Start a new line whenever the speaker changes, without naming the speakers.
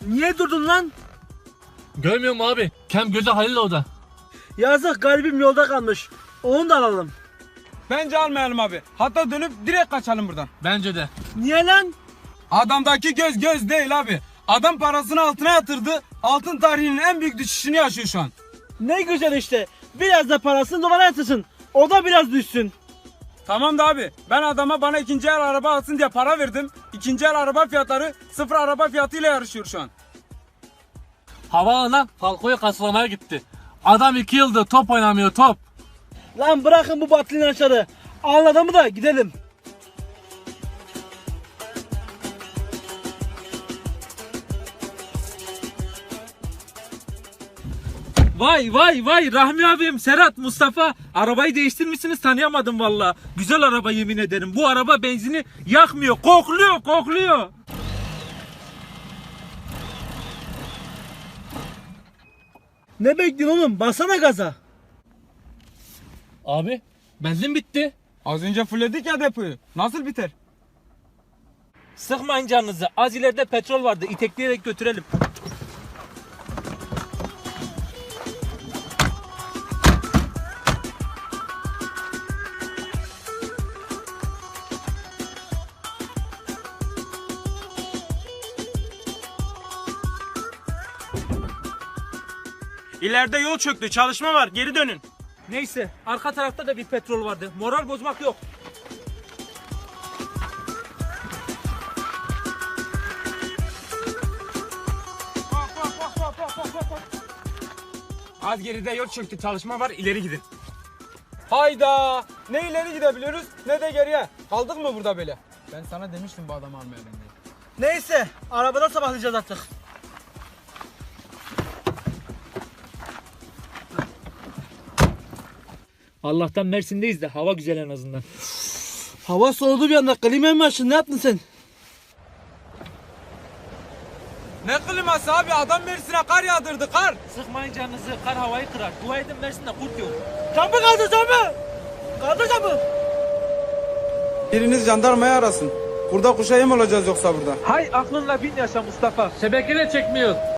Niye durdun lan?
Görmüyor musun abi? Kem gözü Halil orada.
Yazık, garibim yolda kalmış. Onu da alalım.
Bence almayalım abi. Hatta dönüp direkt kaçalım buradan.
Bence de.
Niye lan?
Adamdaki göz göz değil abi. Adam parasını altına yatırdı. Altın tarihinin en büyük düşüşünü yaşıyor şu an.
Ne güzel işte. Biraz da parasını dolara yatırsın. O da biraz düşsün.
Tamam da abi, ben adama bana ikinci el araba alsın diye para verdim. İkinci el araba fiyatları sıfır araba fiyatıyla yarışıyor şu an.
Havaalanına Falco'yu kasılamaya gitti. Adam 2 yıldır top oynamıyor, top.
Lan bırakın bu batılı inançları. Alın adamı da gidelim.
Vay vay vay Rahmi abim, Serhat, Mustafa. Arabayı değiştirmişsiniz, tanıyamadım valla. Güzel araba, yemin ederim. Bu araba benzini yakmıyor, kokluyor kokluyor.
Ne bekliyorsun oğlum? Basana gaza.
Abi benzin bitti.
Az önce fullledik ya depoyu. Nasıl biter?
Sıkmayın canınızı. Az ileride petrol vardı. İtekleyerek götürelim.
İleride yol çöktü. Çalışma var. Geri dönün.
Neyse, arka tarafta da bir petrol vardı. Moral bozmak yok.
Az geride yol çöktü. Çalışma var. İleri gidin. Hayda. Ne ileri gidebiliyoruz ne de geriye. Kaldık mı burada böyle? Ben sana demiştim bu adamı almayalım diye.
Neyse, arabada sabahlayacağız artık.
Allah'tan Mersin'deyiz de hava güzel en azından.
Hava soğudu bir anda. Klimayı mı açtın? Ne yaptın sen?
Ne kliması abi? Adam Mersin'e kar yağdırdı, kar.
Sıkmayın canınızı, kar havayı kırar. Dua edin Mersin'de kurt yok.
Camı kaldır camı. Kaldır camı.
Biriniz jandarmayı arasın. Burada kuşa yem olacağız yoksa burada.
Hay aklınla bin yaşa Mustafa. Şebeke de çekmiyor.